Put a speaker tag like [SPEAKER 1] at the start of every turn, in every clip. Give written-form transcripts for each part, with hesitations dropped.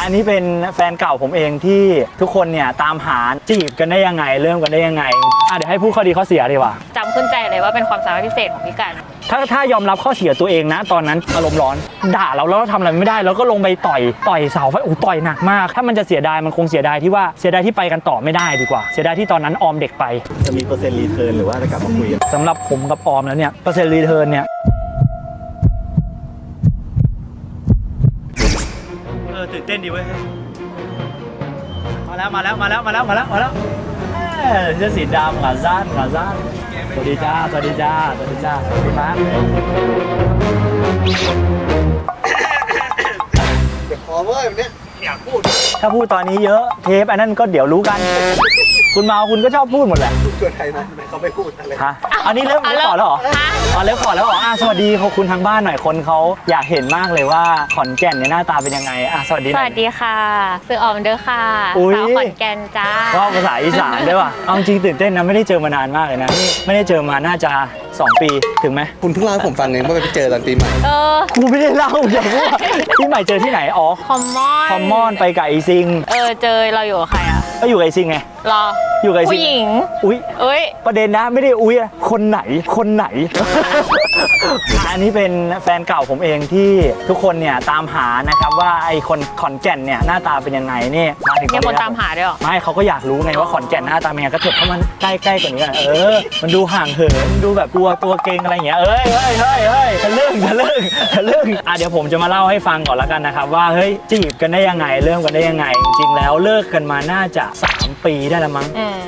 [SPEAKER 1] อันนี้เป็นแฟนเก่าผมเองที่ทุกคนเนี่ยตามหาจีบกันได้ยังไงเริ่มกันได้ยังไงเดี๋ยวให้พูดข้อดีข้อเสียดีกว่า
[SPEAKER 2] จำขึ้นใจเลยว่าเป็นความสามารถพิเศษของพี่กัน
[SPEAKER 1] ถ้ายอมรับข้อเสียตัวเองนะตอนนั้นอารมณ์ร้อนด่าเราแล้วเราทำอะไรไม่ได้แล้วก็ลงไปต่อยเสาไฟต่อยหนักมากถ้ามันจะเสียดายมันคงเสียดายที่ว่าเสียดายที่ไปกันต่อไม่ได้ดีกว่าเสียดายที่ตอนนั้นออมเด็กไป
[SPEAKER 3] จะมีเปอร์เซ็นต์รีเทิร์นหรือว่าจะกลับมาคุยกัน
[SPEAKER 1] สำหรับผมกับออมแล้วเนี่ยเปอร์เซ็นต์รีเทิร์นเนี่ยตื่นเต้นดีเว้ยมาแล้วเสื้อสีดำขาสั้นสวัสดีจ้าสวัสดีมา
[SPEAKER 3] เดี๋ยวขอเว้ยวันนี้อยากพูด
[SPEAKER 1] ถ้าพูดตอนนี้เยอะเทปอันนั้นก็เดี๋ยวรู้กันคุณมาคุณก็ชอบพูดหมดแหละ
[SPEAKER 3] พูดเกินใครนะเขาไม่พูดอะไร
[SPEAKER 1] ฮะอันนี้เริ่มขอแล้วเหรอเริ่มขอแล้วเหรอสวัสดีคุณทางบ้านหน่อยคนเขาอยากเห็นมากเลยว่าขอนแก่นเนี่ยหน้าตาเป็นยังไงสวัสดี
[SPEAKER 2] ค่ะซื้อออมเด้อค่ะสาวขอนแก่นจ้า
[SPEAKER 1] ว่าภาษาอีสานได้ป่ะเอาจริงตื่นเต้นนะไม่ได้เจอมานานมากเลยนะนี่ไม่ได้เจอมาน่าจะ2 ปีถึงไหม
[SPEAKER 3] คุณเพิ่งเล่าให้ผมฟังเองว่าไปเจอตอนปีใหม่
[SPEAKER 1] กูไม่ได้เล่าอย่างว่าปีใหม่เจอที่ไหน
[SPEAKER 2] คอมมอน
[SPEAKER 1] ไปกับไอซิง
[SPEAKER 2] เจอเราอยู่กับใคร
[SPEAKER 1] ก็อยู่กับไอซิงไง
[SPEAKER 2] รอ
[SPEAKER 1] อยู่กับไอซิง
[SPEAKER 2] ผู้หญิง
[SPEAKER 1] อุ้ยประเด็นนะไม่ได้อุ้ยคนไหนอันนี้เป็นแฟนเก่าผมเองที่ทุกคนเนี่ยตามหานะครับว่าไอคนขอนแก่นเนี่ยหน้าตาเป็นยังไงนี่
[SPEAKER 2] มาถึงคนตามหาด้วยหรอ
[SPEAKER 1] ไม่เขาก็อยากรู้ไงว่าขอนแก่นหน้าตาเป็นยังไงก็เถิบเข้ามาใกล้กว่านี้กันมันดูห่างเหินดูแบบตัวเก่งอะไรอย่างเงี้ยทะลึ่งเดี๋ยวผมจะมาเล่าให้ฟังก่อนแล้วกันนะครับว่าเฮ้ยจีบกันได้ยังไงเริ่มกันได้ยังไงจริงๆแล้วเลิกกันมาน่าจะ3 ปีได้แล้วมั้ง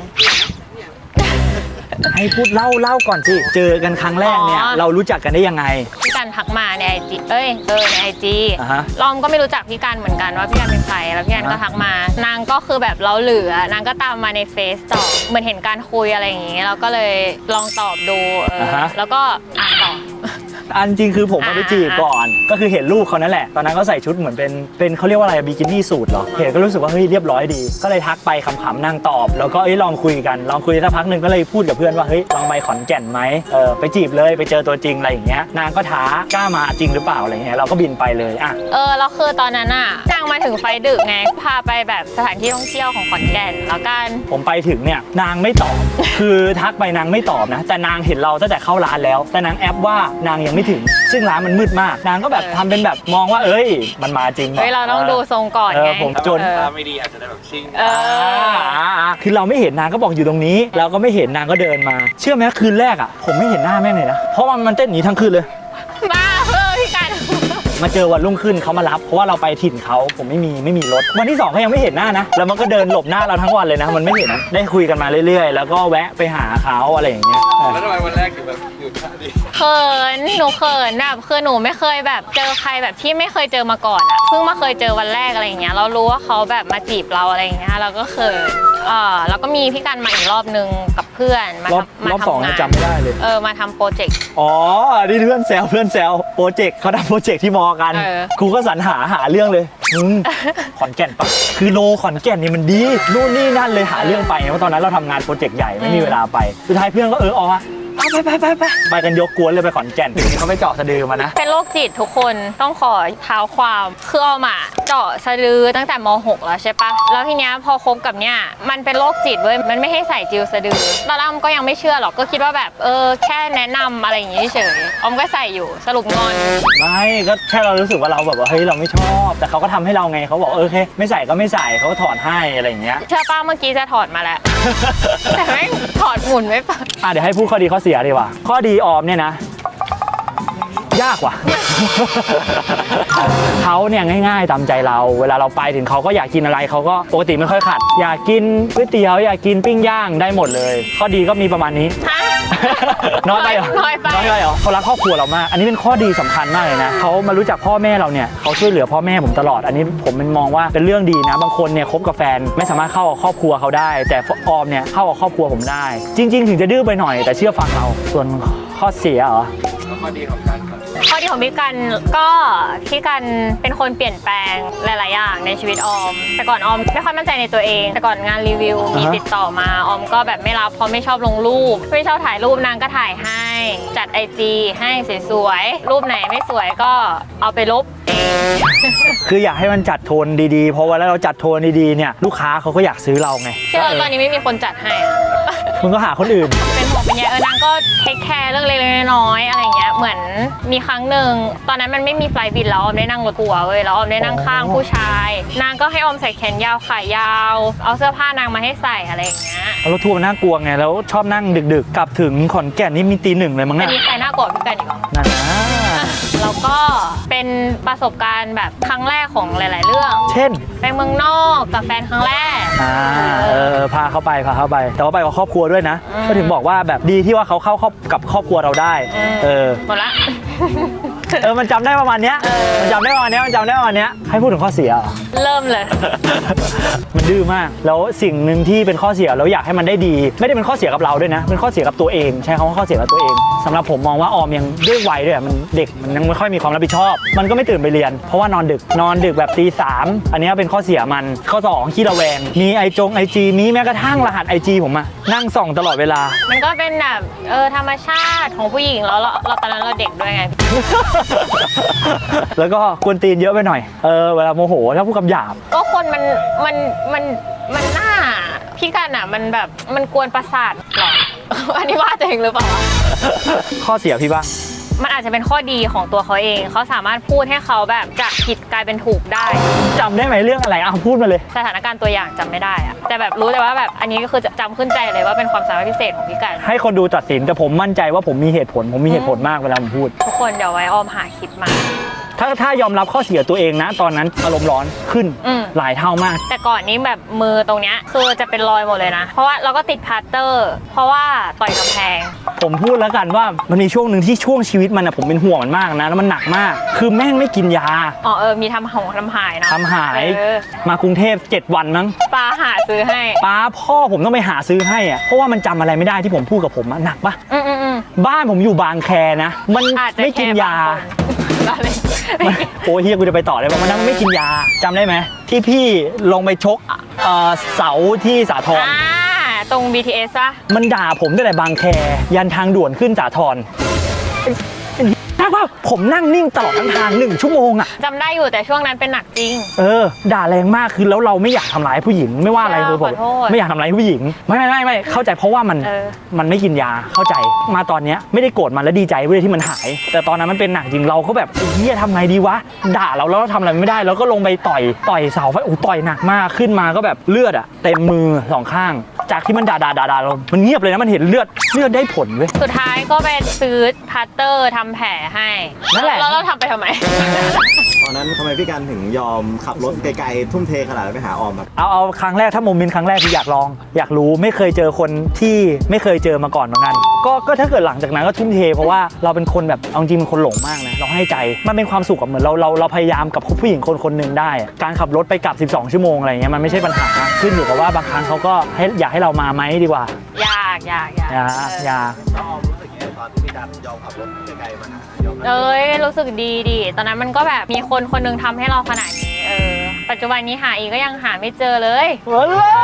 [SPEAKER 1] ให้พูดเล่าก่อนสิเจอกันครั้งแรกเนี่ยเรารู้จักกันได้ยังไง
[SPEAKER 2] พี่กันทักมาในIGในIG ลอมก็ไม่รู้จักพี่กันเหมือนกันว่าพี่กันเป็นใครแล้วพี่กันก็ทักมานางก็คือแบบเราเหลือนางก็ตามมาในเฟซต่อเหมือนเห็นการคุยอะไรอย่างงี้เราก็เลยลองตอบดูแล้วก็ตอบ
[SPEAKER 1] อันจริงคือผมมาไปจีบก่อนก็คือเห็นลูกเขานั่นแหละตอนนั้นเขาใส่ชุดเหมือนเป็นเขาเรียกว่าอะไรบิกินี่สูทเหรอเห็นก็รู้สึกว่าเฮ้ยเรียบร้อยดีก็เลยทักไปขำๆนางตอบแล้วก็ลองคุยสักพักหนึ่งก็เลยพูดกับเพื่อนว่าเฮ้ยลองไปขอนแก่นไหมไปจีบเลยไปเจอตัวจริงอะไรอย่างเงี้ยนางก็ท้ากล้ามาจริงหรือเปล่าอะไรเงี้ยเราก็บินไปเลย
[SPEAKER 2] แล้วคือตอนนั้นนางมาถึงไฟดึกไงพาไปแบบสถานที่ท่องเที่ยวของขอนแก่นแล้วกัน
[SPEAKER 1] ผมไปถึงเนี่ยนางไม่ตอบคือทักไปนางไม่ตอบนะแต่นางเห็นเราตั้งแต่เข้าร้านแล้วแต่นางแอปว่านางยังไม่ถึงซึ่งร้านมันมืดมากนางก็แบบทำเป็นแบบมองว่ามันมาจริง
[SPEAKER 2] เราต้องดูทรงก่อนไง
[SPEAKER 1] ผมจน
[SPEAKER 3] ตาไม่ดีอาจจะได้แบบชิ่ง
[SPEAKER 1] คือเราไม่เห็นนางก็บอกอยู่ตรงนี้เราก็ไม่เห็นนางก็เดินมาเชื่อไหมคืนแรกผมไม่เห็นหน้าแม่งเลยนะเพราะมันเต้นหนีทั้งคืนเลย
[SPEAKER 2] บ้าพี่กัน
[SPEAKER 1] มาเจอวันรุ่งขึ้นเขามารับเพราะว่าเราไปถิ่นเขาผมไม่มีรถวันที่2เขายังไม่เห็นหน้านะแล้วมันก็เดินหลบหน้าเราทั้งวันเลยนะมันไม่เห็นได้คุยกันมาเรื่อยๆแล้วก็แวะไปหาเขาอะไรอย่างเงี้ย
[SPEAKER 3] แล้วทำไมวันแรกถึงแบบหยุดดิ
[SPEAKER 2] หนูเขินแบบคือหนูไม่เคยแบบเจอใครแบบที่ไม่เคยเจอมาก่อนเพิ่งมาเคยเจอวันแรกอะไรอย่างเงี้ยเรารู้ว่าเขาแบบมาจีบเราอะไรอย่างเงี้ยเราก็เขินแล้วก็มีพี่กันมาอีกรอบนึงกับเพื่อนมาร
[SPEAKER 1] อบ2จำไม่ได้เลย
[SPEAKER 2] มาทำโปรเจกต์
[SPEAKER 1] นี่เพื่อนแซวโปรเจกต์เขาทำโปรเจกต์ที่มอกันครูก็สรรหาเรื่องเลยขอนแก่นปะคือโลขอนแก่นนี่มันดีนู่นนี่นั่นเลยหาเรื่องไปเพราะตอนนั้นเราทำงานโปรเจกต์ใหญ่ไม่มีเวลาไปสุดท้ายเพื่อนก็ไปกันยกกวนเลยไปขอนแก่นนี่เขาไปเจาะสะดือมานะ
[SPEAKER 2] เป็นโรคจิตทุกคนต้องขอเท้าความคือออมเจาะสะดือตั้งแต่ม.6 แล้วใช่ปะแล้วทีเนี้ยพอคบกับเนี่ยมันเป็นโรคจิตเว้ยมันไม่ให้ใส่จิวสะดือตอนแรกก็ยังไม่เชื่อหรอกก็คิดว่าแบบแค่แนะนำอะไรอย่างงี้เฉยออมก็ใส่อยู่สรุปงอน
[SPEAKER 1] ไม่ก็แค่เรารู้สึกว่าเราแบบว่าเฮ้ยเราไม่ชอบแต่เขาก็ทำให้เราไงเขาบอกโอเคไม่ใส่ก็ไม่ใส่เขาก็ถอดให้อะไรอย่างเงี้ย
[SPEAKER 2] เชื่อป้าเมื่อกี้จะถอดมาแล้วแต่ไม่ถอดหมุนไม่ปะ
[SPEAKER 1] เดี๋ยวให้พูดข้อดีข้อเสียดีกว่าข้อดีออมเนี่ยนะยากว่ะเขาเนี่ยง่ายๆตามใจเราเวลาเราไปถึงเขาก็อยากกินอะไรเขาก็ปกติไม่ค่อยขัดอยากกินก๋วยเตี๋ยวอยากกินปิ้งย่างได้หมดเลยข้อดีก็มีประมาณนี้น้อยไปเหรอเขารักครอบครัวเรามากอันนี้เป็นข้อดีสำคัญมากเลยนะเขามารู้จักพ่อแม่เราเนี่ยเขาช่วยเหลือพ่อแม่ผมตลอดอันนี้ผมมองว่าเป็นเรื่องดีนะบางคนเนี่ยคบกับแฟนไม่สามารถเข้ากับครอบครัวเขาได้แต่ออมเนี่ยเข้ากับครอบครัวผมได้จริงๆถึงจะดื้อไปหน่อยแต่เชื่อฟังเราส่วนข้อเสียเหรอ
[SPEAKER 3] ข้อดีของการ
[SPEAKER 2] ข้อดีของพี่กันก็พี่กันเป็นคนเปลี่ยนแปลงหลายๆอย่างในชีวิตออม แต่ก่อนออมไม่ค่อยมั่นใจในตัวเองแต่ก่อนงานรีวิวมีติดต่อมาออมก็แบบไม่รับเพราะไม่ชอบลงรูปไม่ชอบถ่ายรูปนางก็ถ่ายให้จัด IG ให้สวยๆรูปไหนไม่สวยก็เอาไปลบเอง
[SPEAKER 1] คืออยากให้มันจัดโทนดีๆเพราะว่าแล้วเราจัดโทนดีๆเนี่ยลูกค้าเขาก็อยากซื้อเราไง
[SPEAKER 2] เชื่อตอนนี้ไม่มีคนจัดให้อะ
[SPEAKER 1] มึงก็หาคนอื่น
[SPEAKER 2] เป็นห่วงเป็นใยนางก็เทคแคร์เรื่องเล็กๆน้อยๆอะไรอย่างเงี้ยเหมือนมีครั้งหนึ่งตอนนั้นมันไม่มีไฟล์บินแล้วออมได้นั่งรถทัวร์เว้ยแล้วออมได้นั่งข้างผู้ชายนางก็ให้ออมใส่แขนยาวขายาวเอาเสื้อผ้านางมาให้ใส่อะไรอย่างเงี้ย
[SPEAKER 1] รถทัวร์มันน่ากลัวไงแล้วชอบนั่งดึกๆกลับถึงขอนแก่นนี่มีตี 1เลยมั้ง
[SPEAKER 2] แต่
[SPEAKER 1] เนี่ย
[SPEAKER 2] มีใครน่ากลัวพี่กันอีกเหรอ
[SPEAKER 1] นั่นนะ
[SPEAKER 2] แล้วก็เป็นประสบการณ์แบบครั้งแรกของหลายๆเรื่อง
[SPEAKER 1] เช่น
[SPEAKER 2] ไปเมืองนอกกับแฟนครั้งแรก
[SPEAKER 1] พาเข้าไปแต่ว่าไปกับครอบครัวด้วยนะ
[SPEAKER 2] อืม
[SPEAKER 1] ก็ถึงบอกว่าแบบดีที่ว่าเขาเข้ากับครอบครัวเราได้
[SPEAKER 2] หมดละ
[SPEAKER 1] มันจำได้ประมาณเนี้ยมันจำได้ประมาณเนี้ยให้พูดถึงข้อเสียเหรอ
[SPEAKER 2] เริ่มเลย
[SPEAKER 1] มันดื้อมากแล้วสิ่งหนึ่งที่เป็นข้อเสียแล้วอยากให้มันได้ดีไม่ได้เป็นข้อเสียกับเราด้วยนะเป็นข้อเสียกับตัวเองใช้คำว่าข้อเสียกับตัวเองสำหรับผมมองว่าออมยังด้วยวัยด้วยมันเด็กมันยังไม่ค่อยมีความรับผิดชอบ มันก็ไม่ตื่นไปเรียนเพราะว่านอนดึกแบบตี 3อันนี้เป็นข้อเสียมันข้อ2ขี้ระแวงมีไอจีมีแม้กระทั่งรหัส IG ผมอะนั่งส่องตลอดเวลา
[SPEAKER 2] มันก็เป็นแบบธรรมชาติของผู้หญิงแล้วเราตอนนั้นเราเด็กด้วยไง
[SPEAKER 1] แล้วก็กวนตีนเยอะไปหน่อยเวลาโมโหถ้าพูดคำหยาบ
[SPEAKER 2] ก็คนมันน่าพี่กันอ่ะมันแบบมันกวนประสาทหรอ อันนี้ว่าตัวเองหรือเปล่า
[SPEAKER 1] ข้อเสียพี่บ้าง
[SPEAKER 2] มันอาจจะเป็นข้อดีของตัวเขาเองเขาสามารถพูดให้เขาแบบจากผิดกลายเป็นถูกได้
[SPEAKER 1] จำได้ไหมเรื่องอะไรพูดมาเลย
[SPEAKER 2] สถานการณ์ตัวอย่างจำไม่ได้อะแต่แบบรู้แต่ว่าแบบอันนี้ก็คือจำขึ้นใจเลยว่าเป็นความสามารถพิเศษของพี่กัน
[SPEAKER 1] ให้คนดูตัดสินแต่ผมมั่นใจว่าผมมีเหตุผลมากเวลาผมพูด
[SPEAKER 2] ทุกคนเดี๋ยวไว้ออมหาคลิปมา
[SPEAKER 1] ถ้ายอมรับข้อเสียตัวเองนะตอนนั้นอารมณ์ร้อนขึ้นหลายเท่ามาก
[SPEAKER 2] แต่ก่อนนี้แบบมือตรงเนี้ยคือจะเป็นรอยหมดเลยนะเพราะว่าเราก็ติดพลาสเตอร์เพราะว่าต่อยกำแพง
[SPEAKER 1] ผมพูดแล้วกันว่ามันมีช่วงหนึ่งที่ช่วงชีวิตมันผมเป็นห่วงมันมากนะแล้วมันหนักมาก คือแม่งไม่กินยา
[SPEAKER 2] มีทำหายนะ
[SPEAKER 1] ทำหายมากรุงเทพ7 วันมั้ง
[SPEAKER 2] ป้าหาซื้อให้
[SPEAKER 1] ป้าพ่อผมต้องไปหาซื้อให้อะเพราะว่ามันจำอะไรไม่ได้ที่ผมพูดกับผมหนักปะบ้านผมอยู่บางแคนะมันไม่กินยาโอ้เฮียกูจะไปต่อเลยว่ามันนั้นไม่กินยาจำได้ไหมที่พี่ลงไปชกเสาที่สาทร
[SPEAKER 2] ตรง BTS ป่ะ
[SPEAKER 1] มันด่าผมตั้งแต่บางแคยันทางด่วนขึ้นสาทรว่าผมนั่งนิ่งตลอดทั้งทาง1 ชั่วโมงอะ
[SPEAKER 2] จำได้อยู่แต่ช่วงนั้นเป็นหนักจริง
[SPEAKER 1] ด่าแรงมากคือแล้วเราไม่อยากทำร้ายผู้หญิงไม่ว่าอะไรคือผมไม่อยากทำร้ายผู้หญิงไม่เข้าใจเพราะว่ามันไม่กินยาเข้าใจมาตอนเนี้ยไม่ได้โกรธมันแล้วดีใจเว้ยที่มันหายแต่ตอนนั้นมันเป็นหนักจริงเราก็แบบเฮียทำไงดีวะด่าเราแล้วเราทำอะไรไม่ได้เราก็ลงไปต่อยเสาไฟต่อยหนักมากขึ้นมาก็แบบเลือดอะเต็มมือ2 ข้างจากที่มันด่าเรามันเงียบเลยนะมันเห็นเลือดได้ผลเว้ย
[SPEAKER 2] สุดท้ายก็ไปซื้อพลาสเตอร์ทำแผลให้
[SPEAKER 1] นั่นแหละ
[SPEAKER 2] แล้วเราทำไปทำไม
[SPEAKER 4] ตอนนั้นทำไมพี่กันถึงยอมขับรถไกลๆทุ่มเทขนาดนั้นไปหาออมครับ
[SPEAKER 1] เอาครั้งแรกถ้าโมเมนต์ครั้งแรกคืออยากลองอยากรู้ไม่เคยเจอคนที่ไม่เคยเจอมาก่อนเหมือนกันก็ถ้าเกิดหลังจากนั้นก็ทุ่มเทเพราะว่าเราเป็นคนแบบเอาจริงเป็นคนหลงมากนะเราให้ใจมันเป็นความสุขกับเหมือนเราพยายามกับผู้หญิงคนหนึ่งได้การขับรถไปกลับ12 ชั่วโมงอะไรเงี้ยมันไม่ใช่ปัญหาขึ้นอยู่กับว่าบางครั้งเขาก็อยากให้เรามาไหมดีกว่า
[SPEAKER 2] อยาก
[SPEAKER 4] ออมรู้สึกยังไงตอนที่พี่กันยอมขับรถไกลๆมาหา
[SPEAKER 2] รู้สึกดีตอนนั้นมันก็แบบมีคนนึงทำให้เราขนาดนี้ปัจจุบันนี้หาอีกก็ยังหาไม่เจอเลย
[SPEAKER 4] ย้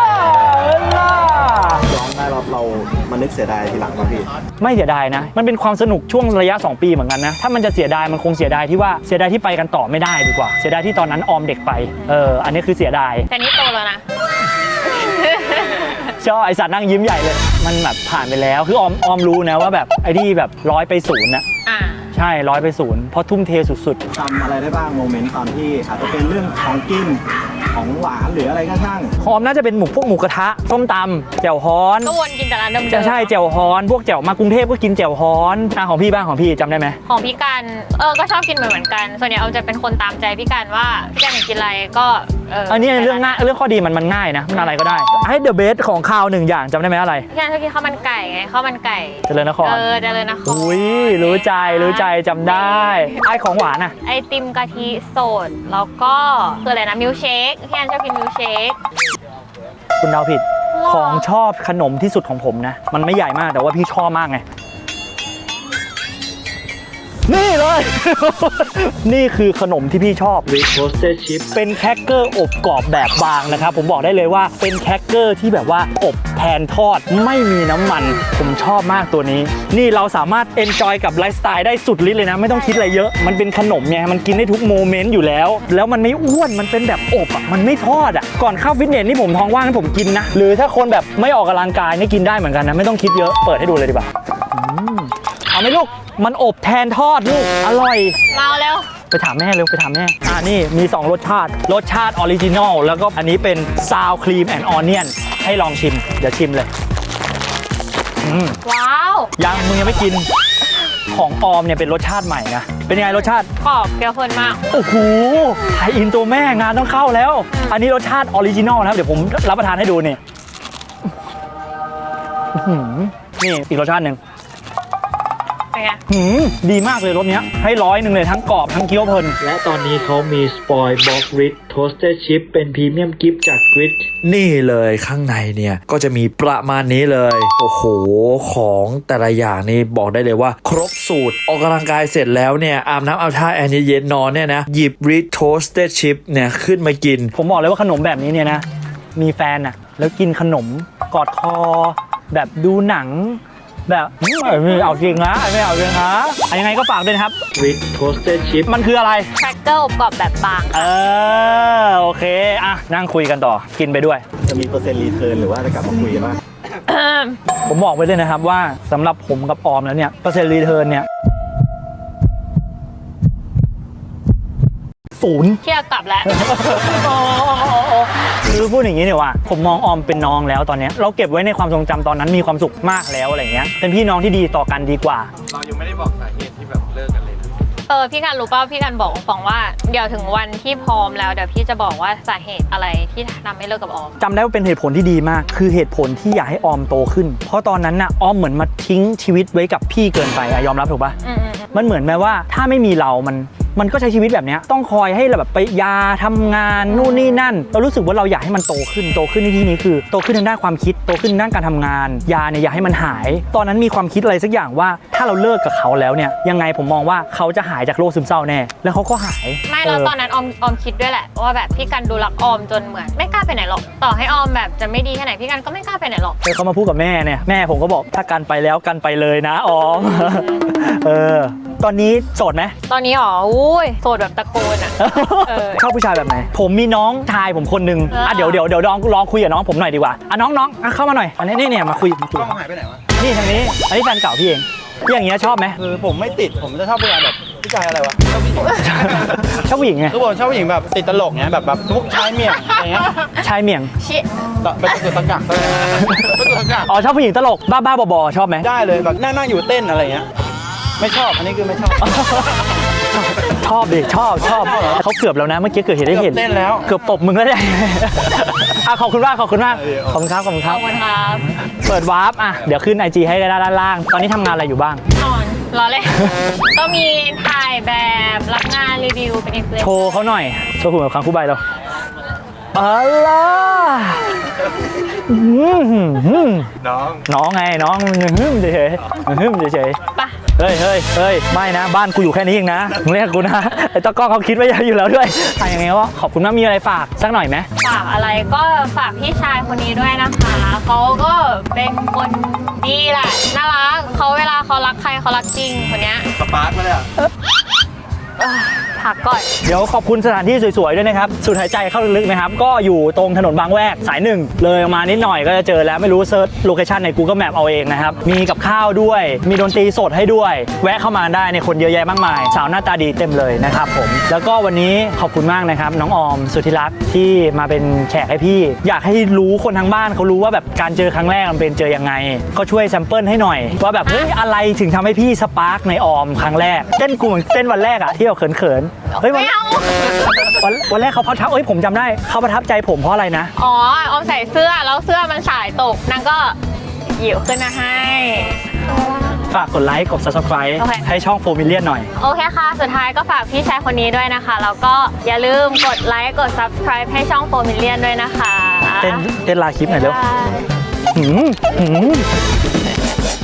[SPEAKER 4] อนได้เรามานึกเสียดายทีหลังพี่
[SPEAKER 1] ไม่เสียดายนะมันเป็นความสนุกช่วงระยะ2 ปีเหมือนกันนะถ้ามันจะเสียดายมันคงเสียดายที่ไปกันต่อไม่ได้ดีกว่าเสียดายที่ตอนนั้นออมเด็กไปอันนี้คือเสียดาย
[SPEAKER 2] แต่นี่โตแล้วนะ
[SPEAKER 1] ชอบไอสัตว์นั่งยิ้มใหญ่เลยมันแบบผ่านไปแล้วคือออมรู้นะว่าแบบไอ้ที่แบบ100 ไป 0นะใช่100 ไป 0เพราะทุ่มเทสุด
[SPEAKER 4] ๆจำอะไรได้บ้างโมเมนต์ตอนที่อาจจะเป็นเรื่องของกินของหวานหรืออะไรก็ช่าง
[SPEAKER 1] ออมน่าจะเป็นพวกหมูกระทะส้มตำแจ่วฮ้อน
[SPEAKER 2] ก็วนกินแต่ร้านเดิม
[SPEAKER 1] ใช่แจ่วฮ้อนพวกแจ่วมากรุงเทพก็กินแจ่วฮ้อนของพี่บ้างของพี่จำได้ไหม
[SPEAKER 2] ของพี่กันก็ชอบกินเหมือนกันส่วนใหญ่เอาจะเป็นคนตามใจพี่กันว่าพี่กันอยากกินอะไรก็
[SPEAKER 1] อันนี้เรื่องง่ายเรื่องข้อดีมันง่ายนะมันอะไรก็ได้ให้เดอะเบสของข้าว1 อย่างจำได้ไหมอะไร
[SPEAKER 2] พี่กันชอบกินข้าวมันไก่ไงข้าวมันไก่
[SPEAKER 1] เจริญนคร
[SPEAKER 2] เจริญนคร
[SPEAKER 1] อุ้ยรู้ใจจำได้ไอของหวาน
[SPEAKER 2] ไอติมกะทิสดแล้วก็คืออะไรนะมิลเชคพี่กันชอบกินมิลเชค
[SPEAKER 1] คุณเดาผิดของชอบขนมที่สุดของผมนะมันไม่ใหญ่มากแต่ว่าพี่ชอบมากไงนี่เลย นี่คือขนมที่พี่ชอบ Red Toasted Chip เป็นแครกเกอร์อบกรอบแบบบางนะครับผมบอกได้เลยว่าเป็นแครกเกอร์ที่แบบว่าอบแทนทอดไม่มีน้ำมันผมชอบมากตัวนี้นี่เราสามารถเอนจอยกับไลฟ์สไตล์ได้สุดฤทธิ์เลยนะไม่ต้องคิดอะไรเยอะมันเป็นขนมไงมันกินได้ทุกโมเมนต์อยู่แล้วแล้วมันไม่อ้วนมันเป็นแบบอบอ่ะมันไม่ทอดอ่ะก่อนเข้าฟิตเนสนี่ผมท้องว่างให้ผมกินนะหรือถ้าคนแบบไม่ออกกำลังกายนี่กินได้เหมือนกันนะไม่ต้องคิดเยอะเปิดให้ดูเลยดีกว่าเอาไหมลูกมันอบแทนทอดลูกอร่อย
[SPEAKER 2] เมาแล้ว
[SPEAKER 1] ไปถามแม่เร็วไปถามแม่นี่มี2รสชาติออริจินอลแล้วก็อันนี้เป็นซาวครีมแอนด์ออนเนียนให้ลองชิมเดี๋ยวชิมเลย
[SPEAKER 2] ว้าว
[SPEAKER 1] ยังมึงยังไม่กินของออมเนี่ยเป็นรสชาติใหม่นะเป็นยังไงรสชาติ
[SPEAKER 2] กรอบเปรี้ยวเพลินมาก
[SPEAKER 1] โอ้โหไทยอินตัวแม่งานต้องเข้าแล้วอันนี้รสชาติออริจินอลนะครับเดี๋ยวผมรับประทานให้ดูนี่นี่อีกรสชาติหนึ่งดีมากเลยรสเนี้ยให้100เลยทั้งกรอบทั้งเคี้ยวเพลินและตอนนี้เขามีสปอยบ็อกริดโทสเตอร์ชิพเป็นพรีเมียมกิฟต์จากกริดนี่เลยข้างในเนี่ยก็จะมีประมาณนี้เลยโอ้โหของแต่ละอย่างนี่บอกได้เลยว่าครบสูตรออกกำลังกายเสร็จแล้วเนี่ยอาบน้ำอาบท่าแอร์เย็นนอนเนี่ยนะหยิบริดโทสเตอร์ชิพเนี่ยขึ้นมากินผมบอกเลยว่าขนมแบบนี้เนี่ยนะมีแฟนอะแล้วกินขนมกอดคอแบบดูหนังแบบไม่เอาจริงนะไม่เอาจริงนะยังไงก็ฝากด้วยนะครับ Red Toasted Chip มันคืออะไร
[SPEAKER 2] แครกเกอร์อบกรอบแบบบาง
[SPEAKER 1] โอเคอ่ะนั่งคุยกันต่อกินไปด้วย
[SPEAKER 4] จะมีเปอร์เซ็นต์รีเทิร์นหรือว่าจะกลับมาคุยกันบ้าง
[SPEAKER 1] ผมบอกไว้เลยนะครับว่าสำหรับผมกับออมแล้วเนี่ยเปอร์เซ็นต์รีเทิร์นเนี่ย0
[SPEAKER 2] เที่ยวกลับแล้ว
[SPEAKER 1] คือพูดอย่างนี้เนี่ยว่าผมมองออมเป็นน้องแล้วตอนนี้เราเก็บไว้ในความทรงจำตอนนั้นมีความสุขมากแล้วอะไรเงี้ยเป็นพี่น้องที่ดีต่อกันดีกว่า
[SPEAKER 3] เรายังไม่ได้บอกสาเหตุที่แบบเลิกกันเลย
[SPEAKER 2] พี่กันรู้ป่ะพี่กันบอกฟองว่าเดี๋ยวถึงวันที่พร้อมแล้วเดี๋ยวพี่จะบอกว่าสาเหตุอะไรที่ทำให้เลิกกับออม
[SPEAKER 1] จำได้ว่าเป็นเหตุผลที่ดีมากคือเหตุผลที่อยากให้ออมโตขึ้นเพราะตอนนั้นน่ะออมเหมือนมาทิ้งชีวิตไว้กับพี่เกินไปยอมรับถูกป่ะมันเหมือนแม้ว่าถ้าไม่มีเรามันก็ใช้ชีวิตแบบนี้ต้องคอยให้แบบไปยาทำงานนู่นนี่นั่นเรารู้สึกว่าเราอยากให้มันโตขึ้นในที่นี้คือโตขึ้นทางด้านความคิดโตขึ้นทางด้านการทำงานยาเนี่ยอยากให้มันหายตอนนั้นมีความคิดอะไรสักอย่างว่าถ้าเราเลิกกับเขาแล้วเนี่ยยังไงผมมองว่าเขาจะหายจากโรคซึมเศร้าแน่แล้วเขาก็หาย
[SPEAKER 2] ไม่แล้วตอนนั้นออมคิดด้วยแหละว่าแบบพี่กันดูรักออมจนเหมือนไม่กล้าไปไหนหรอกต่อให้ออมแบบจะไม่ดีแค่ไหนพี่กันก็ไม่กล้าไปไหนหรอก
[SPEAKER 1] เขามาพูดกับแม่เนี่ยแม่ผมก็บอกถ้ากันไปแล้วกันไปเลยนะออมตอนนี้โสดไหม
[SPEAKER 2] ตอนนี้อ๋ออุ้ยโสดแบบตะโกนอ่ะ
[SPEAKER 1] ชอบผู้ชายแบบไหนผมมีน้องชายผมคนนึงเดี๋ยวลองคุยกับน้องผมหน่อยดีกว่าน้องเข้ามาหน่อยอันนี้เนี่ยมาคุย
[SPEAKER 3] หายไปไหนวะ
[SPEAKER 1] นี่ทางนี้อันนี้แฟนเก่าพี่เองอย่างเงี้ยชอบไหม
[SPEAKER 4] คือผมไม่ติดผมจะชอบผู้ชายแบบผู้ชายอะไรวะ
[SPEAKER 1] ชอบผู้หญิงไง
[SPEAKER 4] คือผมชอบผู้หญิงแบบติดตลกเงี้ยแบบพวกชายเมี่ยงอะไรเงี้ย
[SPEAKER 1] ชายเมี่ยง
[SPEAKER 4] เป็นตัวตะกักเลยเป็นตัวตะกัก
[SPEAKER 1] ชอบผู้หญิงตลกบ้าบอชอบไหม
[SPEAKER 4] ได้เลยแบบนั่งอยู่เต้นอะไรเงี้ยไม่ชอบอันนี้คือไม่ชอบ
[SPEAKER 1] ชอบดิชอบเขาเกือบแล้วนะเมื่อกี้เกิดเหตุได้เห็น
[SPEAKER 4] เต้นแล้ว
[SPEAKER 1] เกือบตบมึงแล้วเนี่ยขอบคุณมากครับเปิดวาร์ปเดี๋ยวขึ้น IG ให้ด้านล่างตอนนี้ทำงานอะไรอยู่บ้าง
[SPEAKER 2] รอเลยก็มีถ่ายแบบรับงานรีวิวเป็นอินฟลูเอนเซอร์
[SPEAKER 1] โชว์เขาหน่อยโชว์หุ่นแบบครั้งคู่ใบเราน้องไงน้องเฉย
[SPEAKER 2] ปะ
[SPEAKER 1] เฮ้ยไม่นะบ้านกูอยู่แค่นี้เองนะมึงเรียกกูนะไอ้ตะก้องเขาคิดไว้อยู่แล้วด้วยยังไงก็ขอบคุณมากมีอะไรฝากสักหน่อยไหม
[SPEAKER 2] ฝากอะไรก็ฝากพี่ชายคนนี้ด้วยนะคะเขาก็เป็นคนดีแหละน่ารักเขาเวลาเขารักใครเขารักจริงคนเนี้ย
[SPEAKER 3] สปาร์คมาเลย
[SPEAKER 2] พักก่อน
[SPEAKER 1] เดี๋ยวขอบคุณสถานที่สวยๆด้วยนะครับสูดหายใจเข้าลึกๆนะครับก็อยู่ตรงถนนบางแวกสาย1เลยมานิดหน่อยก็จะเจอแล้วไม่รู้เซิร์ชโลเคชั่นใน Google Map เอาเองนะครับมีกับข้าวด้วยมีดนตรีสดให้ด้วยแวะเข้ามาได้ในคนเยอะแยะมากมายสาวหน้าตาดีเต็มเลยนะครับผมแล้วก็วันนี้ขอบคุณมากนะครับน้องออมสุธิรักษ์ที่มาเป็นแขกให้พี่อยากให้รู้คนทางบ้านเขารู้ว่าแบบการเจอครั้งแรกมันเป็นเจอยังไงก็ช่วยแซมเปิลให้หน่อยว่าแบบเฮ้ยอะไรถึงทำให้พี่สปาร์กในออมครั้งแรกเต้นกูเหมือนเต้นวันแรกอะที่เราเขินเฮ้ยวันแรกเขาประทับผมจำได้เขาประทับใจผมเพราะอะไรนะ
[SPEAKER 2] ออมใส่เสื้อแล้วเสื้อมันสายตกนางก็หยิบขึ้นมาให้
[SPEAKER 1] ฝากกดไลค์กด Subscribe ให้ช่อง4 Million หน่อย
[SPEAKER 2] โอเคค่ะสุดท้ายก็ฝากพี่ชายคนนี้ด้วยนะคะแล้วก็อย่าลืมกดไลค์กด Subscribe ให้ช่อง4 Million ด้วยนะคะ
[SPEAKER 1] เต้นลาคลิปหน่อยเร็ว